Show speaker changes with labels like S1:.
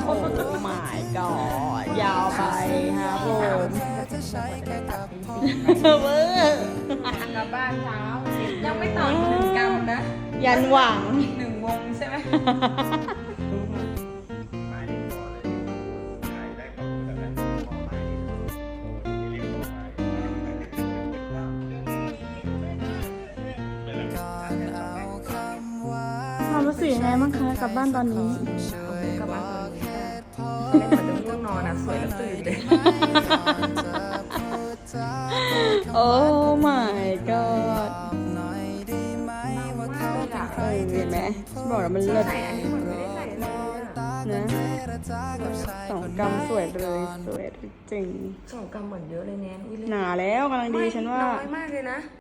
S1: โอ้ my god ยาวไปครับผม เวอร์
S2: กลับบ้านเช้ายังไม่ต่ออีก1 กรัมนะ
S1: ยันหวัง
S2: อีก1 วงใช่ไหม
S1: ความรู้สึกยังไงบ้างคะกลับบ้านตอนนี้
S2: กลับบ้านตอนนี้เล่นเหมือนเดิมง่วงนอนนะสวยแล้วตื่นเลย
S1: โอ้ my god เห็นไหมฉันบอกแล้วมันเลิศ
S2: ใส่อันนี้เหมือนไม่ได้ใส่เลยอะ
S1: นะ2 กรัมสวยเลยสวยจริง
S2: 2 กรัมเหมือนเยอะเลยแนนอุ้ยเล่น
S1: หนาแล้วกำลังดีฉันว่า
S2: น้อยมากเลยนะ